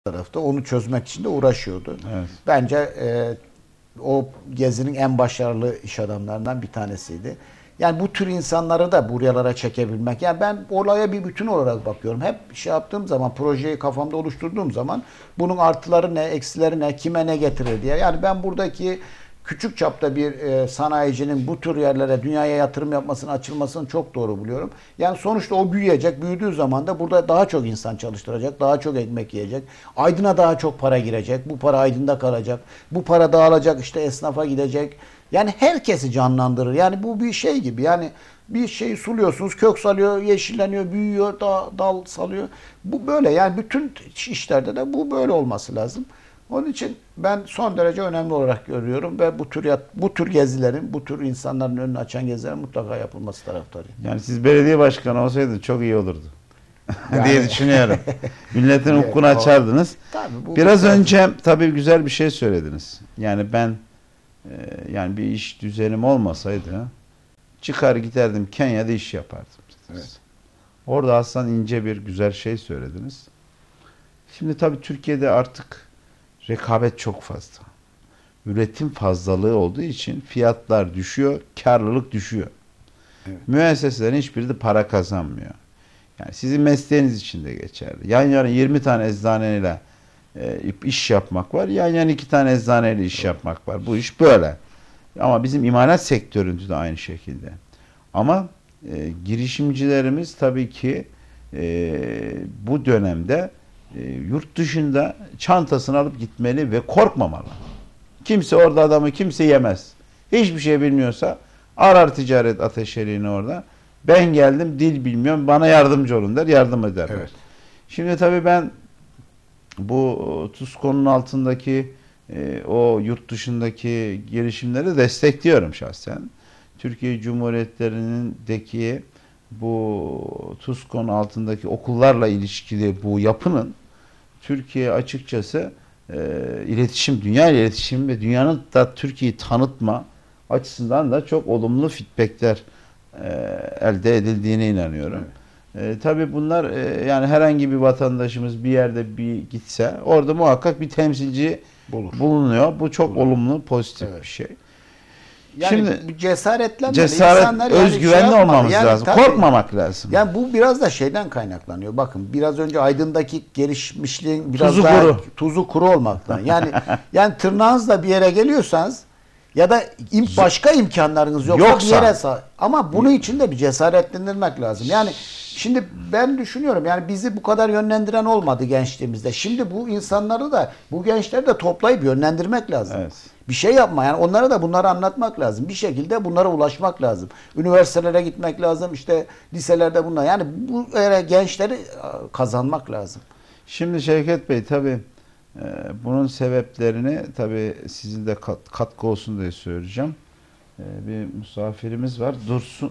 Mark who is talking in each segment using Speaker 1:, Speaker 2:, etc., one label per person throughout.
Speaker 1: tarafta onu çözmek için de uğraşıyordu.
Speaker 2: Evet.
Speaker 1: Bence o gezinin en başarılı iş adamlarından bir tanesiydi. Yani bu tür insanları da buralara çekebilmek. Yani ben olaya bir bütün olarak bakıyorum. Hep şey yaptığım zaman, projeyi kafamda oluşturduğum zaman bunun artıları ne, eksileri ne, kime ne getirir diye. Yani ben buradaki küçük çapta bir sanayicinin bu tür yerlere, dünyaya yatırım yapmasını, açılmasını çok doğru buluyorum. Yani sonuçta o büyüyecek. Büyüdüğü zaman da burada daha çok insan çalıştıracak, daha çok ekmek yiyecek. Aydın'a daha çok para girecek. Bu para Aydın'da kalacak. Bu para dağılacak, işte esnafa gidecek. Yani herkesi canlandırır. Yani bu bir şey gibi. Yani bir şeyi suluyorsunuz, kök salıyor, yeşilleniyor, büyüyor, dal salıyor. Bu böyle. Yani bütün işlerde de bu böyle olması lazım. Onun için ben son derece önemli olarak görüyorum ve bu tür gezilerin, bu tür insanların önünü açan gezilerin mutlaka yapılması taraftarıyım.
Speaker 2: Yani siz belediye başkanı olsaydınız çok iyi olurdu.
Speaker 1: Yani,
Speaker 2: diye düşünüyorum. Milletin
Speaker 1: evet,
Speaker 2: ufkunu açardınız.
Speaker 1: Tabii,
Speaker 2: biraz önce tabii güzel bir şey söylediniz. Yani ben yani bir iş düzenim olmasaydı çıkar giderdim Kenya'da iş yapardım.
Speaker 1: Evet.
Speaker 2: Orada aslında ince bir güzel şey söylediniz. Şimdi tabii Türkiye'de artık rekabet çok fazla. Üretim fazlalığı olduğu için fiyatlar düşüyor, karlılık düşüyor.
Speaker 1: Evet.
Speaker 2: Müesseselerin hiçbiri de para kazanmıyor. Yani sizin mesleğiniz için de geçerli. Yan yana 20 tane eczaneyle iş yapmak var. Yan yana 2 tane eczaneyle iş yapmak var. Bu iş böyle. Ama bizim imalat sektöründe de aynı şekilde. Ama girişimcilerimiz tabii ki bu dönemde yurt dışında çantasını alıp gitmeli ve korkmamalı. Kimse orada adamı kimse yemez. Hiçbir şey bilmiyorsa arar ticaret ateşeliğini orada. Ben geldim dil bilmiyorum bana yardımcı olun der, yardım ederler.
Speaker 1: Evet.
Speaker 2: Şimdi tabii ben bu TUSKO'nun altındaki o yurt dışındaki girişimleri destekliyorum şahsen. Türkiye Cumhuriyetleri'ndeki bu TUSKO'nun altındaki okullarla ilişkili bu yapının Türkiye açıkçası iletişim, dünya iletişim ve dünyanın da Türkiye'yi tanıtma açısından da çok olumlu feedbackler elde edildiğine inanıyorum. Evet. Tabii bunlar yani herhangi bir vatandaşımız bir yerde bir gitse orada muhakkak bir temsilci bulunuyor. Bu çok olumlu, pozitif bir şey.
Speaker 1: Yani
Speaker 2: şimdi
Speaker 1: cesaretlenmeli.
Speaker 2: Cesaret,
Speaker 1: İnsanlar
Speaker 2: özgüvenli olmamız lazım.
Speaker 1: Tabii,
Speaker 2: korkmamak lazım.
Speaker 1: Yani bu biraz da şeyden kaynaklanıyor. Bakın biraz önce Aydın'daki gelişmişliğin biraz
Speaker 2: tuzu
Speaker 1: daha
Speaker 2: kuru.
Speaker 1: Tuzu kuru olmaktan. Yani tırnağınızla bir yere geliyorsanız ya da başka imkanlarınız yoksa ama bunun için de bir cesaretlendirmek lazım. Yani şimdi ben düşünüyorum yani bizi bu kadar yönlendiren olmadı gençliğimizde. Şimdi bu insanları da bu gençleri de toplayıp yönlendirmek lazım.
Speaker 2: Evet.
Speaker 1: Bir şey yapma yani onlara da bunları anlatmak lazım. Bir şekilde bunlara ulaşmak lazım. Üniversitelere gitmek lazım. İşte liselerde bunlar. Yani bu gençleri kazanmak lazım.
Speaker 2: Şimdi Şevket Bey tabii bunun sebeplerini tabii sizin de katkı olsun diye söyleyeceğim. Bir misafirimiz var.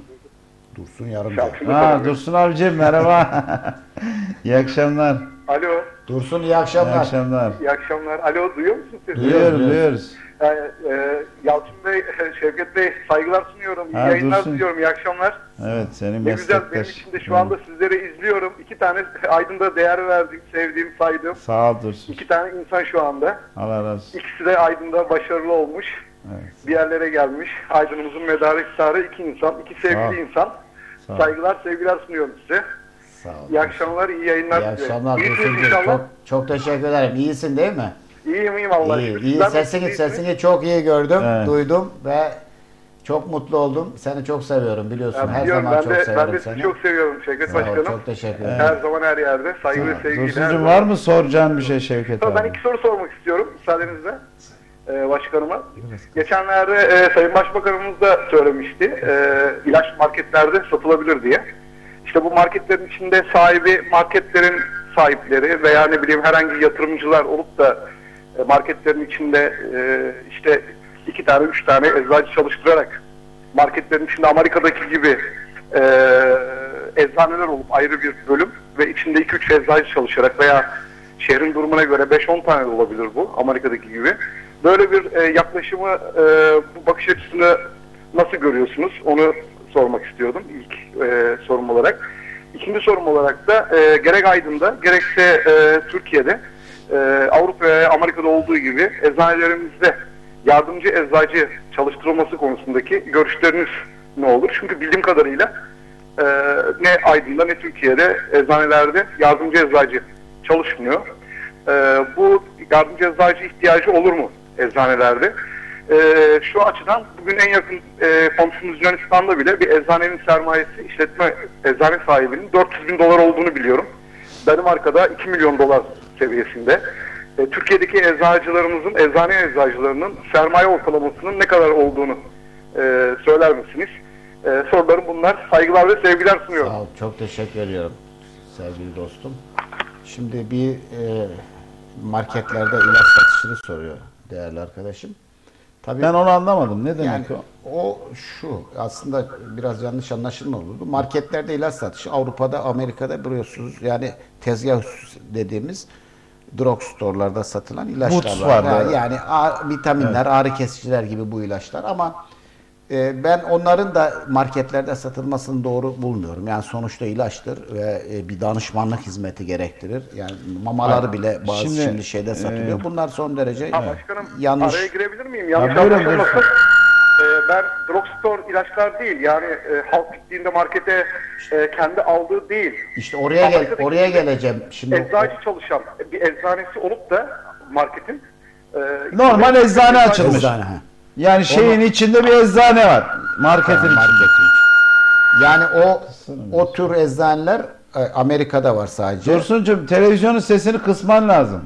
Speaker 1: Dursun Yarımca.
Speaker 2: Dursun abicim merhaba. İyi akşamlar.
Speaker 3: Alo.
Speaker 1: Dursun iyi akşamlar.
Speaker 2: İyi akşamlar.
Speaker 3: İyi akşamlar. Alo duyuyor musunuz siz?
Speaker 2: Duyuyoruz.
Speaker 3: Yani, Yalçın Bey, Şevket Bey saygılar sunuyorum. İyi yayınlar diliyorum. İyi akşamlar.
Speaker 2: Evet senin
Speaker 3: ne güzel benim için de şu anda sizleri izliyorum. 2 tane Aydın'da değer verdiğim, sevdiğim, saydığım.
Speaker 2: Sağ ol Dursun.
Speaker 3: 2 tane insan şu anda.
Speaker 2: Allah razı olsun.
Speaker 3: İkisi de Aydın'da başarılı olmuş.
Speaker 2: Evet.
Speaker 3: Bir yerlere gelmiş. Aydın'ımızın medarı iftiharı 2 insan. 2 sevgili insan. Saygılar, sevgiler sunuyorum size.
Speaker 1: Sağ olun.
Speaker 3: İyi akşamlar, iyi yayınlar.
Speaker 1: İyi akşamlar Dursun'cum. Çok teşekkür ederim. İyisin değil mi?
Speaker 3: İyiyim Allah'a şükür.
Speaker 1: İyi. Sesini çok iyi gördüm,
Speaker 2: evet.
Speaker 1: Duydum ve çok mutlu oldum. Seni çok seviyorum biliyorsun. Her zaman çok seviyorum
Speaker 3: ben de sizi çok seviyorum Şevket Başkanım.
Speaker 1: Çok teşekkür ederim.
Speaker 3: Her zaman her yerde. Saygı ve sevgiyle.
Speaker 2: Dursun'cum var mı soracağın bir şey Şevket abi?
Speaker 3: Ben 2 soru sormak istiyorum müsaadenizle başkanıma. Geçenlerde Sayın Başbakanımız da söylemişti. İlaç marketlerde satılabilir diye. İşte bu marketlerin içinde marketlerin sahipleri veya ne bileyim herhangi yatırımcılar olup da marketlerin içinde işte 2 tane 3 tane eczacı çalıştırarak marketlerin içinde Amerika'daki gibi eczaneler olup ayrı bir bölüm ve içinde 2-3 eczacı çalışarak veya şehrin durumuna göre 5-10 tane de olabilir bu Amerika'daki gibi. Böyle bir yaklaşımı, bu bakış açısını nasıl görüyorsunuz? Onu sormak istiyordum ilk sorum olarak. İkinci sorum olarak da gerek Aydın'da gerekse Türkiye'de Avrupa ve Amerika'da olduğu gibi eczanelerimizde yardımcı eczacı çalıştırılması konusundaki görüşleriniz ne olur? Çünkü bildiğim kadarıyla ne Aydın'da ne Türkiye'de eczanelerde yardımcı eczacı çalışmıyor. Bu yardımcı eczacı ihtiyacı olur mu eczanelerde? Şu açıdan bugün en yakın komşumuz Yunanistan'da bile bir eczanenin sermayesi, işletme eczane sahibinin 400 bin dolar olduğunu biliyorum. Danimarka'da 2 milyon dolar seviyesinde. Türkiye'deki eczacılarımızın, eczane eczacılarının sermaye ortalamasının ne kadar olduğunu söyler misiniz? Sorularım bunlar. Saygılar ve sevgiler sunuyorum.
Speaker 1: Sağ ol, çok teşekkür ediyorum sevgili dostum. Şimdi bir marketlerde ilaç satışını soruyor değerli arkadaşım. Tabii,
Speaker 2: Ben onu anlamadım. Ne demek
Speaker 1: yani
Speaker 2: o?
Speaker 1: şu aslında biraz yanlış anlaşılma olurdu. Marketlerde ilaç satışı Avrupa'da, Amerika'da biliyorsunuz yani tezgah dediğimiz drugstore'larda satılan ilaçlar
Speaker 2: Boots
Speaker 1: var.
Speaker 2: var,
Speaker 1: Yani vitaminler, ağrı kesiciler gibi bu ilaçlar ama ben onların da marketlerde satılmasını doğru bulmuyorum. Yani sonuçta ilaçtır ve bir danışmanlık hizmeti gerektirir. Yani mamaları bile bazı şimdi şeyde satılıyor. Bunlar son derece
Speaker 3: Başkanım,
Speaker 1: yanlış.
Speaker 3: araya girebilir miyim? Yanlış
Speaker 2: buyurun,
Speaker 3: anlaşılmasın. Ben drugstore ilaçlar değil, yani halk gittiğinde markete kendi aldığı değil.
Speaker 1: İşte oraya geleceğim. Şimdi
Speaker 3: Eczacı çalışan bir eczanesi olup da marketin
Speaker 2: Normal eczane açılmış.
Speaker 1: eczane, ha.
Speaker 2: Yani şeyin içinde bir eczane var. Marketin içinde.
Speaker 1: Marketin. Yani o tür eczaneler Amerika'da var sadece.
Speaker 2: Dursuncuğum televizyonun sesini kısman lazım.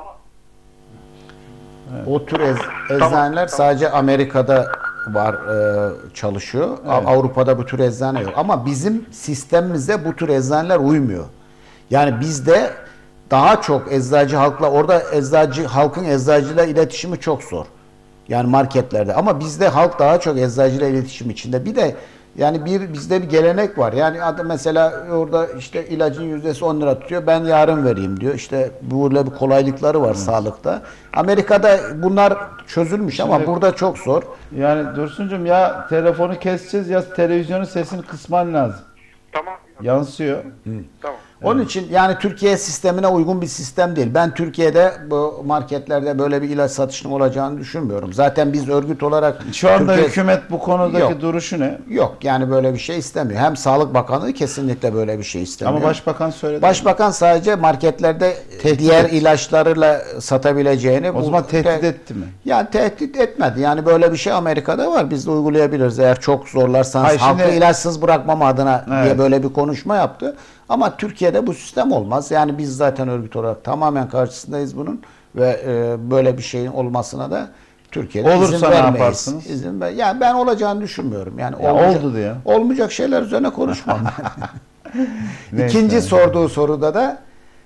Speaker 1: O tür eczaneler sadece Amerika'da var, çalışıyor. Avrupa'da bu tür eczane yok. Ama bizim sistemimize bu tür eczaneler uymuyor. Yani bizde daha çok eczacı halkla, orada halkın eczacıyla iletişimi çok zor. Yani marketlerde. Ama bizde halk daha çok eczacıyla iletişim içinde. Bir de yani bizde bir gelenek var. Yani mesela orada işte ilacın yüzdesi 10 lira tutuyor. Ben yarın vereyim diyor. İşte böyle bir kolaylıkları var sağlıkta. Amerika'da bunlar çözülmüş ama burada çok zor.
Speaker 2: Yani Dursuncuğum ya telefonu keseceğiz ya televizyonun sesini kısman lazım.
Speaker 3: Tamam.
Speaker 2: Yansıyor.
Speaker 3: Tamam.
Speaker 1: Onun için yani Türkiye sistemine uygun bir sistem değil. Ben Türkiye'de bu marketlerde böyle bir ilaç satışının olacağını düşünmüyorum. Zaten biz örgüt olarak
Speaker 2: Şu anda
Speaker 1: Türkiye...
Speaker 2: hükümet bu konudaki
Speaker 1: Yok.
Speaker 2: duruşu ne?
Speaker 1: Yok yani böyle bir şey istemiyor. Hem Sağlık Bakanlığı kesinlikle böyle bir şey istemiyor.
Speaker 2: Ama Başbakan söyledi.
Speaker 1: Başbakan sadece marketlerde diğer ilaçlarıyla satabileceğini...
Speaker 2: O zaman tehdit etti mi?
Speaker 1: Yani tehdit etmedi. Yani böyle bir şey Amerika'da var. Biz de uygulayabiliriz. Eğer çok zorlarsanız
Speaker 2: Hayır,
Speaker 1: halkı
Speaker 2: şimdi...
Speaker 1: ilaçsız bırakmam adına diye
Speaker 2: Evet.
Speaker 1: böyle bir konuşma yaptı. Ama Türkiye'de bu sistem olmaz. Yani biz zaten örgüt olarak tamamen karşısındayız bunun ve böyle bir şeyin olmasına da Türkiye'de
Speaker 2: Olursa
Speaker 1: izin
Speaker 2: ne
Speaker 1: vermeyiz.
Speaker 2: yaparsınız?
Speaker 1: Yani ben olacağını düşünmüyorum. Yani
Speaker 2: Ya oldu diye.
Speaker 1: olmayacak şeyler üzerine konuşmam.
Speaker 2: Neyse.
Speaker 1: İkinci sorduğu soruda da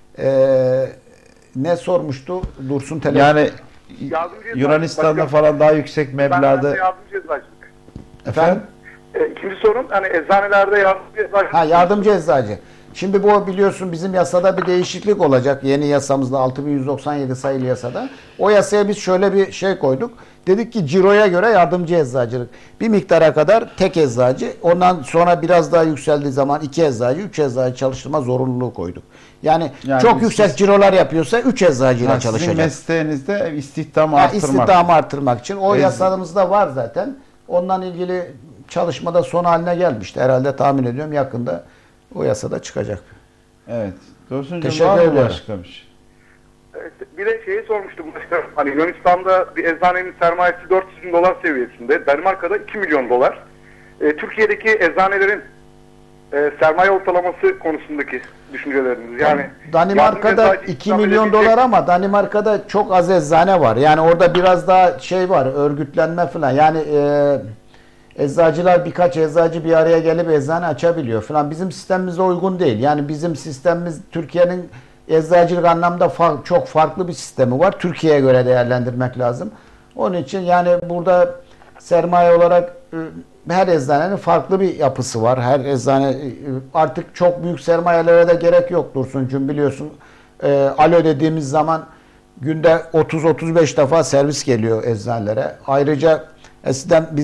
Speaker 1: ne sormuştu Dursun Telefon?
Speaker 2: Yani
Speaker 3: Yardımcı eczacı,
Speaker 2: Yunanistan'da
Speaker 3: başkanım.
Speaker 2: falan daha yüksek
Speaker 3: Ben
Speaker 2: meblağda...
Speaker 3: yardımcı eczacılık.
Speaker 2: Efendim?
Speaker 3: İkinci sorum, hani eczanelerde yardımcı eczacılık.
Speaker 1: Yardımcı eczacı. Şimdi bu biliyorsun bizim yasada bir değişiklik olacak. Yeni yasamızda 6197 sayılı yasada. O yasaya biz şöyle bir şey koyduk. Dedik ki ciroya göre yardımcı eczacılık. Bir miktara kadar tek eczacı. Ondan sonra biraz daha yükseldiği zaman 2 eczacı, 3 eczacı çalıştırma zorunluluğu koyduk. Yani çok yüksek cirolar yapıyorsa 3 eczacıyla
Speaker 2: Sizin
Speaker 1: çalışacak.
Speaker 2: mesleğinizde istihdamı arttırmak.
Speaker 1: İstihdamı artırmak için. O yasamızda var zaten. Ondan ilgili çalışmada son haline gelmişti. Herhalde tahmin ediyorum yakında o yasada çıkacak.
Speaker 2: Evet. Dursuncuğum
Speaker 1: Teşekkür
Speaker 2: var mı
Speaker 1: ederim.
Speaker 2: başka bir şey?
Speaker 3: Evet, bir de şeyi sormuştum başkanım. Hani Yunanistan'da bir eczanenin sermayesi 400 bin dolar seviyesinde. Danimarka'da 2 milyon dolar. Türkiye'deki eczanelerin sermaye ortalaması konusundaki düşünceleriniz. Yani
Speaker 1: Danimarka'da
Speaker 3: yardımcı eczacı
Speaker 1: 2 milyon dolar ama Danimarka'da çok az eczane var. Yani orada biraz daha şey var, örgütlenme falan. Yani eczacılar, birkaç eczacı bir araya gelip eczane açabiliyor falan. Bizim sistemimize uygun değil. Yani bizim sistemimiz Türkiye'nin eczacılık anlamda çok farklı bir sistemi var. Türkiye'ye göre değerlendirmek lazım. Onun için yani burada sermaye olarak her eczanenin farklı bir yapısı var. Her eczane artık çok büyük sermayelere de gerek yok Dursuncuğum, biliyorsun. Alo dediğimiz zaman günde 30-35 defa servis geliyor eczanelere. Ayrıca eskiden biz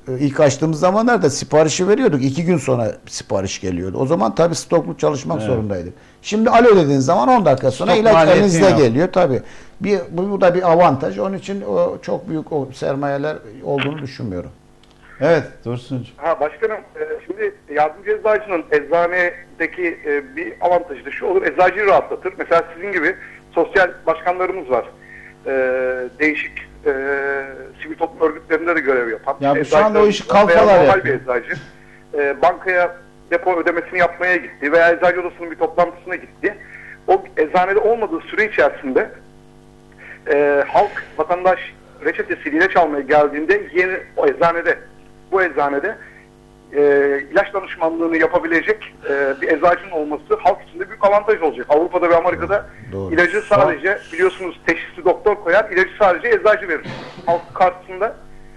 Speaker 1: ilk açtığımız zamanlarda siparişi veriyorduk. 2 gün sonra sipariş geliyordu. O zaman tabii stoklu çalışmak zorundaydık. Şimdi alo dediğin zaman 10 dakika sonra
Speaker 2: Stok
Speaker 1: ilaç
Speaker 2: maliyetin
Speaker 1: elinizde
Speaker 2: yok.
Speaker 1: geliyor tabii. Bu da bir avantaj. Onun için çok büyük o sermayeler olduğunu düşünmüyorum.
Speaker 2: Evet Dursuncuğum.
Speaker 3: Başkanım, şimdi yardımcı eczacının eczanedeki bir avantajı da şu olur: eczacıyı rahatlatır. Mesela sizin gibi sosyal başkanlarımız var. Değişik sivil toplum örgütlerinde de görev yapan.
Speaker 2: Ya şu anda o işi
Speaker 3: Eczacılarımız var.
Speaker 2: kalfalar
Speaker 3: Veya normal
Speaker 2: yapıyor.
Speaker 3: bir eczacı bankaya depo ödemesini yapmaya gitti veya eczacı odasının bir toplantısına gitti. O eczanede olmadığı süre içerisinde halk, vatandaş reçetesiyle ilaç almaya geldiğinde bu eczanede ilaç danışmanlığını yapabilecek bir eczacının olması halk için de büyük avantaj olacak. Avrupa'da ve Amerika'da
Speaker 1: Doğru.
Speaker 3: ilacı sadece, biliyorsunuz, teşhisli doktor koyar, ilacı sadece eczacı verir. Halk karşısında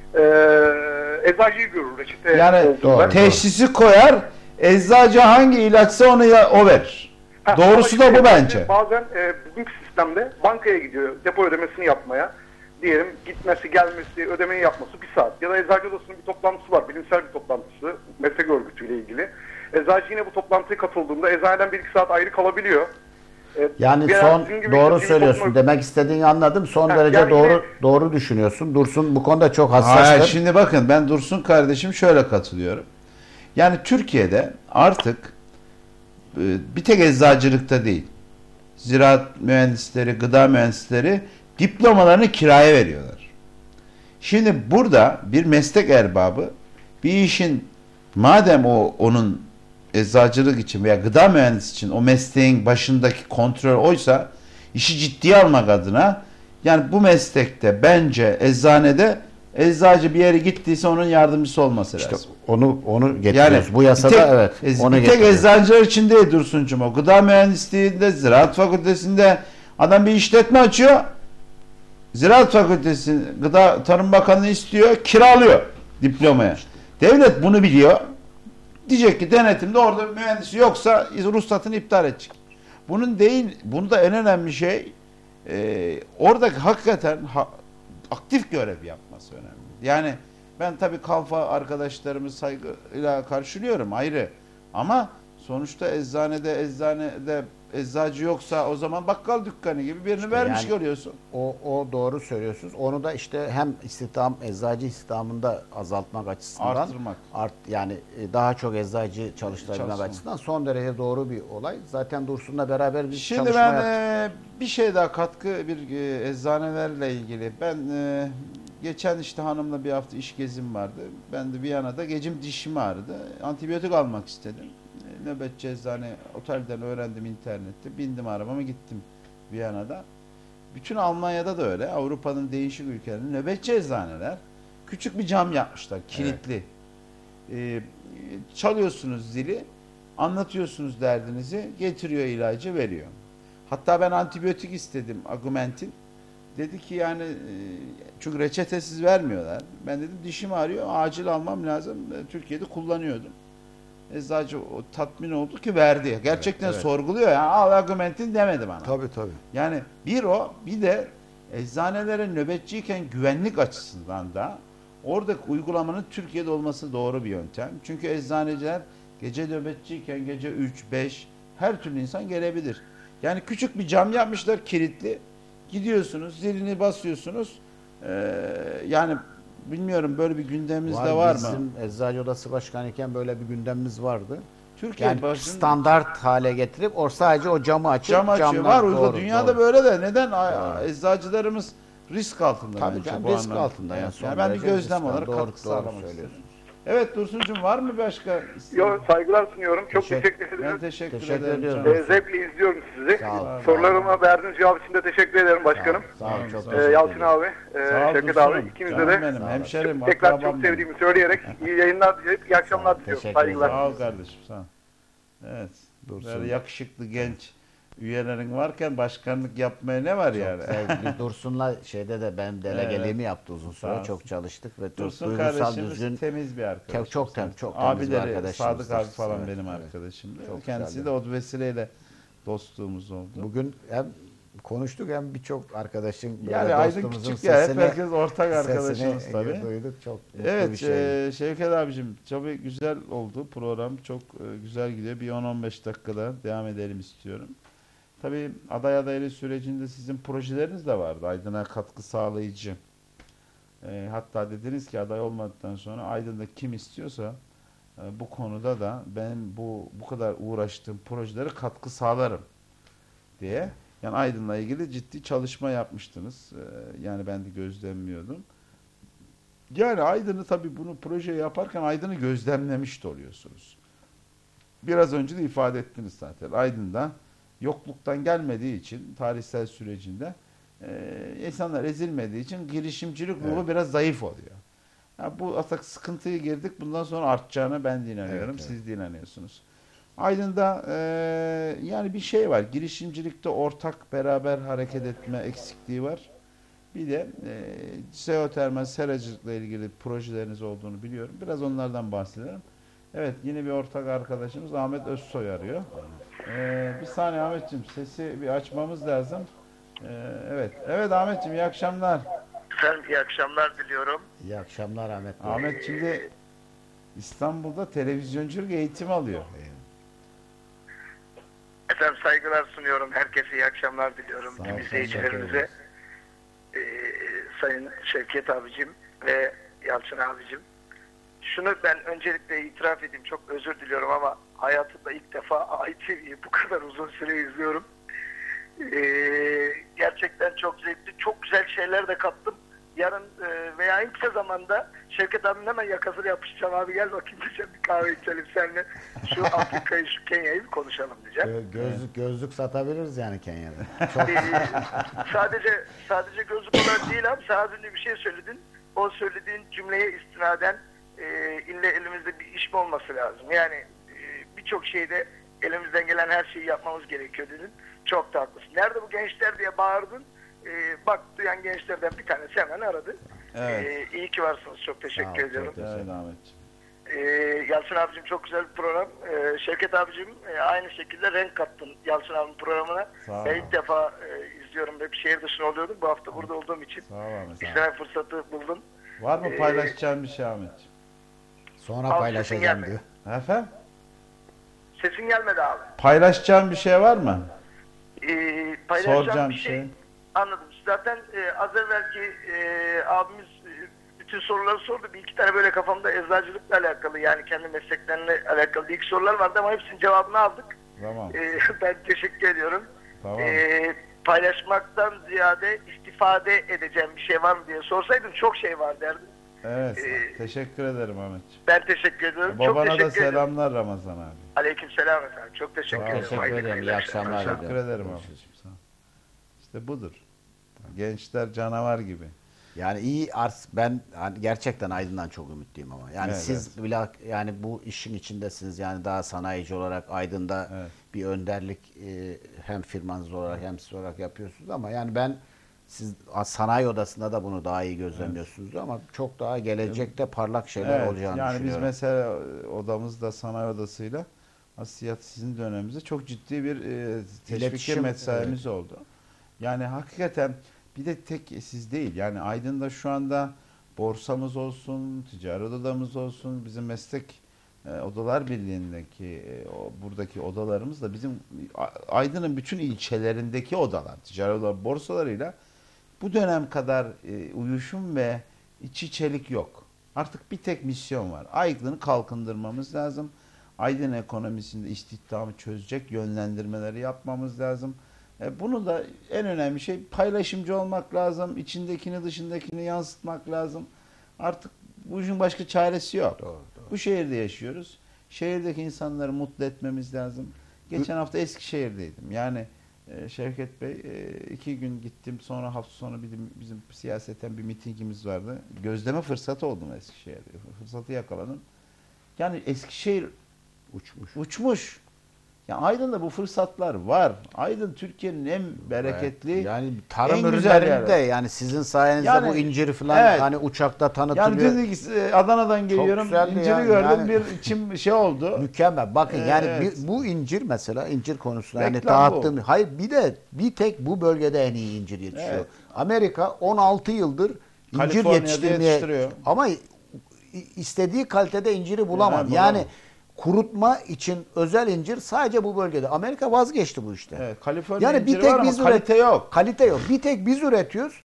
Speaker 3: eczacıyı görür reçete.
Speaker 2: Yani
Speaker 1: Doğru.
Speaker 2: teşhisi koyar, eczacı hangi ilaçsa onu o verir. Doğrusu da bu bence.
Speaker 3: Bazen bugünkü sistemde bankaya gidiyor depo ödemesini yapmaya. Diyelim gitmesi, gelmesi, ödemeyi yapması 1 saat. Ya da eczacı odasının bir toplantısı var, bilimsel bir toplantısı, meslek örgütüyle ilgili. Eczacı yine bu toplantıya katıldığında eczaneden 1-2 saat ayrı kalabiliyor.
Speaker 1: Yani doğru söylüyorsun. Demek istediğini anladım. Son derece
Speaker 3: yani
Speaker 1: doğru düşünüyorsun. Dursun bu konuda çok
Speaker 2: Hayır,
Speaker 1: hassastır.
Speaker 2: şimdi bakın ben Dursun kardeşim şöyle katılıyorum. Yani Türkiye'de artık bir tek eczacılıkta değil, ziraat mühendisleri, gıda mühendisleri diplomalarını kiraya veriyorlar. Şimdi burada bir meslek erbabı bir işin, madem onun eczacılık için veya gıda mühendisi için o mesleğin başındaki kontrol oysa, işi ciddiye almak adına, yani bu meslekte bence eczanede eczacı bir yere gittiyse onun yardımcısı olması lazım.
Speaker 1: İşte onu getiriyoruz. Bu yasada onu
Speaker 2: bir tek
Speaker 1: getiriyoruz.
Speaker 2: eczacılar için değil Dursuncuğum, o gıda mühendisliğinde, ziraat fakültesinde adam bir işletme açıyor. Ziraat Fakültesi Gıda Tarım Bakanı istiyor, kiralıyor diplomaya. Devlet bunu biliyor. Diyecek ki denetimde orada mühendisi yoksa ruhsatını iptal edecek. Bunu da en önemli şey oradaki hakikaten aktif görev yapması önemli. Yani ben tabii kalfa arkadaşlarımı saygıyla karşılıyorum, ayrı. Ama sonuçta eczanede eczacı yoksa o zaman bakkal dükkanı gibi birini vermiş
Speaker 1: yani
Speaker 2: görüyorsun.
Speaker 1: O doğru söylüyorsunuz. Onu da işte hem eczacı istihdamında azaltmak açısından
Speaker 2: Arttırmak.
Speaker 1: Yani daha çok eczacı çalıştırabilmek
Speaker 2: Çalışsın.
Speaker 1: açısından son derece doğru bir olay. Zaten Dursun'la beraber bir
Speaker 2: Şimdi
Speaker 1: çalışma
Speaker 2: ben
Speaker 1: yaptık.
Speaker 2: bir şey daha eczanelerle ilgili. Ben geçen işte hanımla bir hafta iş gezim vardı. Ben de Viyana'da dişim ağrıdı. Antibiyotik almak istedim. Nöbetçi eczane, otelden öğrendim internette. Bindim arabama gittim Viyana'da. Bütün Almanya'da da öyle. Avrupa'nın değişik ülkelerinde nöbetçi eczaneler küçük bir cam yapmışlar, kilitli. Çalıyorsunuz zili, anlatıyorsunuz derdinizi, getiriyor ilacı, veriyor. Hatta ben antibiyotik istedim, Augmentin. Dedi ki yani çünkü reçetesiz vermiyorlar. Ben dedim dişim ağrıyor, acil almam lazım. Türkiye'de kullanıyordum. Eczacı tatmin oldu ki verdi. Gerçekten
Speaker 1: evet.
Speaker 2: sorguluyor. Yani al Augmentin demedi bana.
Speaker 1: Tabii.
Speaker 2: Yani bir de eczanelerin nöbetçiyken güvenlik açısından da oradaki uygulamanın Türkiye'de olması doğru bir yöntem. Çünkü eczaneciler gece nöbetçiyken gece 3, 5 her türlü insan gelebilir. Yani küçük bir cam yapmışlar, kilitli. Gidiyorsunuz, zilini basıyorsunuz. Yani bilmiyorum, böyle bir gündemimiz de var mı?
Speaker 1: Bizim Eczacı Odası Başkanı iken böyle bir gündemimiz vardı.
Speaker 2: Türkiye
Speaker 1: Yani standart hale getirip sadece o camı açıp
Speaker 2: cam açıyor.
Speaker 1: camdan-
Speaker 2: Var uygun.
Speaker 1: doğru,
Speaker 2: Dünyada
Speaker 1: doğru.
Speaker 2: böyle de. Neden?
Speaker 1: Doğru.
Speaker 2: Eczacılarımız risk altında
Speaker 1: Tabii
Speaker 2: bence
Speaker 1: canım,
Speaker 2: bu
Speaker 1: risk
Speaker 2: anlamda.
Speaker 1: altında. Yani
Speaker 2: Evet,
Speaker 1: son
Speaker 2: yani ben bir
Speaker 1: derece
Speaker 2: gözlem
Speaker 1: risk
Speaker 2: olarak
Speaker 1: altında.
Speaker 2: katkı
Speaker 1: Doğru
Speaker 2: sağlamak
Speaker 1: söylüyorsunuz.
Speaker 2: istedim. Evet Dursuncuğum, var mı başka?
Speaker 3: Saygılar sunuyorum. Çok teşekkür
Speaker 2: Ben
Speaker 3: ederim.
Speaker 2: teşekkür
Speaker 1: Teşekkür
Speaker 2: ederim.
Speaker 1: ediyorum.
Speaker 2: canım.
Speaker 3: Zevkle izliyorum sizi.
Speaker 1: Sağ ol.
Speaker 3: Sorularıma verdiğiniz cevap için de teşekkür ederim başkanım.
Speaker 1: Sağ ol, çok teşekkür
Speaker 3: Yalçın
Speaker 1: ederim.
Speaker 3: abi,
Speaker 2: Sağ ol
Speaker 3: Şevket
Speaker 2: Dursun'um.
Speaker 3: abi, ikinize
Speaker 2: Canım
Speaker 3: de
Speaker 2: benim, hemşerim,
Speaker 3: tekrar
Speaker 2: akrabam
Speaker 3: çok
Speaker 2: benim.
Speaker 3: sevdiğimi söyleyerek iyi yayınlar dileyip iyi akşamlar diliyorum.
Speaker 1: Teşekkür ederim.
Speaker 3: Saygılar.
Speaker 2: Sağ ol kardeşim, sağ ol. Evet.
Speaker 1: Dursun.
Speaker 2: Böyle yakışıklı genç üyelerin varken başkanlık yapmaya ne var yani?
Speaker 1: Sevgili Dursun'la şeyde de benim delegeliğimi yaptı uzun
Speaker 2: Sağ
Speaker 1: süre.
Speaker 2: olsun.
Speaker 1: Çok çalıştık ve
Speaker 2: Dursun
Speaker 1: duygusal
Speaker 2: kardeşimiz
Speaker 1: düzgün.
Speaker 2: temiz bir arkadaş.
Speaker 1: Çok temiz bir
Speaker 2: Abileri
Speaker 1: arkadaşımızdır.
Speaker 2: Sadık abi falan
Speaker 1: Evet,
Speaker 2: benim
Speaker 1: evet.
Speaker 2: arkadaşımdı.
Speaker 1: Çok
Speaker 2: Kendisi
Speaker 1: güzeldi.
Speaker 2: de o vesileyle dostluğumuz oldu.
Speaker 1: Bugün hem konuştuk hem birçok arkadaşın böyle
Speaker 2: Yani Aydın
Speaker 1: dostumuzun
Speaker 2: küçük ya, hep
Speaker 1: sesini,
Speaker 2: herkes ortak arkadaşımız
Speaker 1: sesini
Speaker 2: tabii.
Speaker 1: duyduk. Çok mutlu
Speaker 2: Evet
Speaker 1: bir şey.
Speaker 2: Şevket abicim tabii güzel oldu program, çok güzel gidiyor. Bir 10-15 dakikada devam edelim istiyorum. Tabii aday adaylığı sürecinde sizin projeleriniz de vardı, Aydın'a katkı sağlayıcı. Hatta dediniz ki aday olmadıktan sonra Aydın'da kim istiyorsa bu konuda da ben bu kadar uğraştığım projelere katkı sağlarım diye. Yani Aydın'la ilgili ciddi çalışma yapmıştınız. Yani ben de gözlemliyordum. Yani Aydın'ı tabii bunu proje yaparken Aydın'ı gözlemlemiş de oluyorsunuz. Biraz önce de ifade ettiniz zaten. Aydın'da yokluktan gelmediği için tarihsel sürecinde insanlar ezilmediği için girişimcilik ruhu biraz zayıf oluyor. Ya bu atak sıkıntıya girdik. Bundan sonra artacağına ben de inanıyorum.
Speaker 1: Evet.
Speaker 2: Siz de inanıyorsunuz. Aydın'da yani bir şey var. Girişimcilikte ortak beraber hareket etme eksikliği var. Bir de jeotermal seracılıkla ilgili projeleriniz olduğunu biliyorum. Biraz onlardan bahsedelim. Evet, yine bir ortak arkadaşımız Ahmet Özsoy arıyor. Bir saniye Ahmetciğim, sesi bir açmamız lazım. Evet. Evet Ahmetciğim, iyi akşamlar.
Speaker 4: Efendim iyi akşamlar diliyorum.
Speaker 1: İyi akşamlar Ahmet Bey.
Speaker 2: Ahmet şimdi İstanbul'da televizyonculuk eğitimi alıyor.
Speaker 4: Efendim saygılar sunuyorum. Herkese iyi akşamlar diliyorum.
Speaker 1: Sağ ol,
Speaker 4: Tüm
Speaker 1: teşekkür
Speaker 4: izleyicilerimize.
Speaker 1: ederiz.
Speaker 4: Sayın Şevket abicim ve Yalçın abicim. Şunu ben öncelikle itiraf edeyim. Çok özür diliyorum ama hayatımda ilk defa ITV'yi bu kadar uzun süre izliyorum. Gerçekten çok zevkli. Çok güzel şeyler de kattım. Yarın veya en kısa zamanda Şevket abinin hemen yakasını yapışacağım. Abi gel bakayım diyeceğim, bir kahve içelim seninle. Şu Afrika'yı, şu Kenya'yı bir konuşalım diyeceğim.
Speaker 1: Gözlük satabiliriz yani Kenya'da. Çok
Speaker 4: Sadece gözlük olarak değil abi. Sen az önce bir şey söyledin. O söylediğin cümleye istinaden ille elimizde bir iş mi olması lazım? Yani birçok şeyde elimizden gelen her şeyi yapmamız gerekiyor dedin. Çok da haklısın. Nerede bu gençler diye bağırdın. Bak duyan gençlerden bir tanesi hemen aradı.
Speaker 2: Evet.
Speaker 4: İyi ki varsınız. Çok teşekkür ediyorum.
Speaker 2: Evet Ahmetciğim.
Speaker 4: Yalçın abicim çok güzel bir program. Şevket abicim aynı şekilde renk kattın Yalçın abinin programına.
Speaker 2: Sağ ol.
Speaker 4: Ben ilk defa izliyorum. Hep şehir dışında oluyordum. Bu hafta burada olduğum için
Speaker 2: Sağ ol Ahmet.
Speaker 4: izleme fırsatı buldum.
Speaker 2: Var mı paylaşacağın bir şey Ahmetciğim?
Speaker 1: sonra
Speaker 4: Al,
Speaker 1: paylaşacağım
Speaker 4: sesin
Speaker 1: diyor.
Speaker 2: Efendim?
Speaker 4: Sesin gelmedi abi.
Speaker 2: Paylaşacağın bir şey var mı?
Speaker 4: Paylaşacağım
Speaker 2: Soracağım
Speaker 4: bir
Speaker 2: bir
Speaker 4: şey.
Speaker 2: şey.
Speaker 4: Anladım. Zaten az evvelki abimiz bütün soruları sordu. Bir iki tane böyle kafamda eczacılıkla alakalı, yani kendi mesleklerine alakalı bir iki sorular vardı ama hepsinin cevabını aldık.
Speaker 2: Tamam.
Speaker 4: Ben teşekkür ediyorum.
Speaker 2: Tamam.
Speaker 4: Paylaşmaktan ziyade istifade edeceğim bir şey var mı diye sorsaydın çok şey var derdim.
Speaker 2: Evet. Teşekkür ederim Ahmetciğim.
Speaker 4: Ben teşekkür ediyorum. Çok
Speaker 2: Babana
Speaker 4: teşekkür
Speaker 2: da
Speaker 4: ederim.
Speaker 2: selamlar Ramazan abi.
Speaker 4: Aleykümselam efendim. Çok teşekkür
Speaker 2: Sağ ol.
Speaker 4: ederim.
Speaker 1: Teşekkür
Speaker 4: Hayırlı
Speaker 1: ederim. İyi akşamlar.
Speaker 2: Teşekkür
Speaker 1: diliyorum.
Speaker 2: ederim Ahmetciğim. Sağ ol. İşte budur. Gençler canavar gibi.
Speaker 1: Yani ben hani gerçekten Aydın'dan çok ümitliyim ama. Yani
Speaker 2: Evet,
Speaker 1: siz bile yani bu işin içindesiniz. Yani daha sanayici olarak Aydın'da
Speaker 2: Evet.
Speaker 1: bir önderlik hem firmanız olarak hem siz olarak yapıyorsunuz ama yani siz sanayi odasında da bunu daha iyi gözlemliyorsunuz ama çok daha gelecekte parlak şeyler olacağını
Speaker 2: yani biz
Speaker 1: düşünüyorum.
Speaker 2: mesela odamızda sanayi odasıyla aslında sizin döneminizde çok ciddi bir teşvik
Speaker 1: İletişim,
Speaker 2: mesaimiz oldu. Yani hakikaten bir de tek siz değil. Yani Aydın'da şu anda borsamız olsun, ticaret odamız olsun, bizim meslek odalar birliğindeki buradaki odalarımız da bizim Aydın'ın bütün ilçelerindeki odalar, ticaret odalar, borsalarıyla bu dönem kadar uyuşum ve iç içelik yok. Artık bir tek misyon var. Aydın'ı kalkındırmamız lazım. Aydın ekonomisinde istihdamı çözecek yönlendirmeleri yapmamız lazım. Bunu da en önemli şey paylaşımcı olmak lazım. İçindekini dışındakini yansıtmak lazım. Artık bu işin başka çaresi yok.
Speaker 1: Doğru.
Speaker 2: Bu şehirde yaşıyoruz. Şehirdeki insanları mutlu etmemiz lazım. Geçen hafta Eskişehir'deydim. Yani Şevket Bey 2 gün gittim. Sonra hafta sonu bizim siyaseten bir mitingimiz vardı. Gözleme fırsatı oldum Eskişehir'de. Fırsatı yakaladım. Yani Eskişehir uçmuş. Yani Aydın'da bu fırsatlar var. Aydın Türkiye'nin en bereketli,
Speaker 1: yani tarım
Speaker 2: en güzel
Speaker 1: ürünlerinde
Speaker 2: yeri.
Speaker 1: yani sizin sayenizde
Speaker 2: Yani,
Speaker 1: bu inciri falan
Speaker 2: evet.
Speaker 1: hani uçakta
Speaker 2: Yani
Speaker 1: tanıtılıyor.
Speaker 2: dedik Adana'dan geliyorum,
Speaker 1: güzeldi
Speaker 2: inciri
Speaker 1: yani.
Speaker 2: gördüm,
Speaker 1: Yani-
Speaker 2: bir içim şey oldu.
Speaker 1: Mükemmel. Bakın yani
Speaker 2: Evet.
Speaker 1: bu incir mesela incir konusunda yani
Speaker 2: Reklam
Speaker 1: dağıttığım. Hayır bir tek bu bölgede en iyi incir yetişiyor.
Speaker 2: Evet.
Speaker 1: Amerika 16 yıldır incir
Speaker 2: Kaliforniya'da
Speaker 1: yetiştirmeye
Speaker 2: yetiştiriyor.
Speaker 1: ama istediği kalitede inciri bulamaz.
Speaker 2: Evet,
Speaker 1: Yani
Speaker 2: bulamaz.
Speaker 1: kurutma için özel incir sadece bu bölgede. Amerika vazgeçti bu işte.
Speaker 2: Evet, Kaliforniya
Speaker 1: Yani bir
Speaker 2: inciri
Speaker 1: tek
Speaker 2: var ama
Speaker 1: biz
Speaker 2: kalite yok.
Speaker 1: Kalite yok. Bir tek biz üretiyoruz.